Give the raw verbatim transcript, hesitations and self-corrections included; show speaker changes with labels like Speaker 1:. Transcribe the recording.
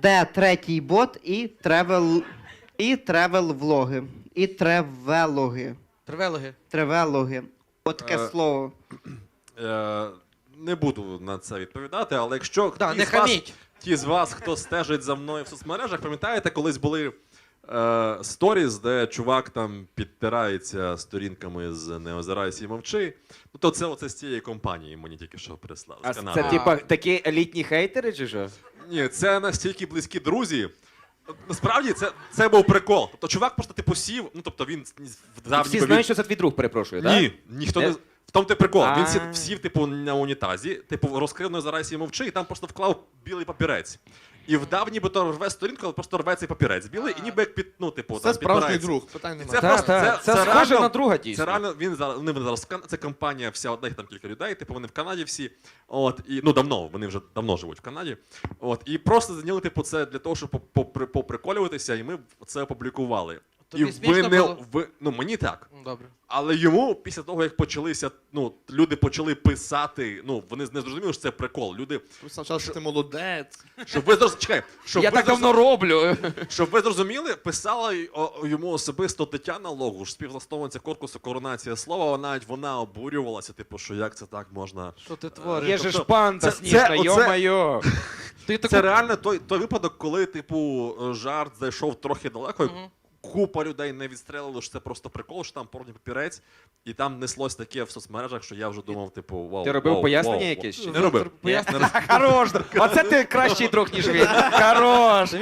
Speaker 1: Д третій бот і тревел і тревел влоги. І тревелоги.
Speaker 2: Тревелоги.
Speaker 1: Тревелоги. От таке
Speaker 3: Е,
Speaker 1: слово.
Speaker 3: Е, не буду на це відповідати, але якщо
Speaker 2: Да,
Speaker 3: ті,
Speaker 2: не
Speaker 3: з вас,
Speaker 2: хаміть.
Speaker 3: ті з вас, хто стежить за мною в соцмережах, пам'ятаєте, колись були е, сторіс, де чувак там підтирається сторінками з «Не озирайся і мовчи». Ну, то це оце з цієї компанії мені тільки що прислали.
Speaker 4: А
Speaker 3: з Канади.
Speaker 4: це типа такі елітні хейтери чи що?
Speaker 3: Ні, це настільки близькі друзі. Насправді це, це був прикол. Тобто чувак просто типу сів, ну тобто він вдав
Speaker 4: Всі
Speaker 3: ніби
Speaker 4: знають,
Speaker 3: він-
Speaker 4: що це твій друг, перепрошую, так?
Speaker 3: Ні, ніхто
Speaker 4: Не?
Speaker 3: не. В тому ти прикол. Він сів,
Speaker 4: А.
Speaker 3: сів, типу, на унітазі, типу, розкрив «Не озирайся і мовчи, і там просто вклав білий папірець. І вдав, ніби рве сторінку, але просто рве цей папірець білий, і ніби як під, ну, типу,
Speaker 5: Це
Speaker 3: там
Speaker 5: справжній
Speaker 3: підпирається.
Speaker 5: друг, питань немає.
Speaker 3: Це
Speaker 4: Та,
Speaker 3: просто,
Speaker 4: та,
Speaker 3: це,
Speaker 4: це
Speaker 3: це
Speaker 4: схоже
Speaker 3: реально,
Speaker 4: на друга, дійсно.
Speaker 3: Це реально, він зараз, вони зараз, в Кан- це компанія вся одна, їх там кілька людей, типу, вони в Канаді всі, от, і, ну, давно, вони вже давно живуть в Канаді, от, і просто зайняли, типу, це для того, щоб попри- поприколюватися, і ми це опублікували.
Speaker 2: Тобі
Speaker 3: і ви
Speaker 2: смішно
Speaker 3: не,
Speaker 2: було?
Speaker 3: ви, ну, мені так.
Speaker 2: Ну, добре.
Speaker 3: Але йому, після того, як почалися, ну, люди почали писати, ну, вони не зрозуміли, що це прикол. Люди,
Speaker 5: Ви спочатку, що ти молодець.
Speaker 3: щоб ви зрозуміли, чекай, щоб
Speaker 4: Я
Speaker 3: ви
Speaker 4: так давно
Speaker 3: зрозуміли,
Speaker 4: роблю.
Speaker 3: щоб ви зрозуміли, писала й- о- йому особисто Тетяна Логуш, співзасновниця корпусу «Коронація слова», навіть вона обурювалася, типу, що як це так можна.
Speaker 2: Що ти твориш?
Speaker 4: Є же ж
Speaker 3: тобто,
Speaker 4: панда
Speaker 3: це-
Speaker 4: сніжна,
Speaker 3: це- оце-
Speaker 4: йо-майо.
Speaker 2: Ти
Speaker 3: Це
Speaker 2: таку...
Speaker 3: реально той, той випадок, коли, типу, жарт зайшов трохи далеко, і
Speaker 2: Мгм.
Speaker 3: купа людей не відстрелили, що це просто прикол, що там порожній папірець, і там неслось таке в соцмережах, що я вже думав, типу, вау.
Speaker 4: Ти робив
Speaker 3: вау,
Speaker 4: пояснення
Speaker 3: вау,
Speaker 4: якесь?
Speaker 3: вау. Не робив.
Speaker 4: Ні? Хорош! Оце ти кращий друг, ніж він. Хорош!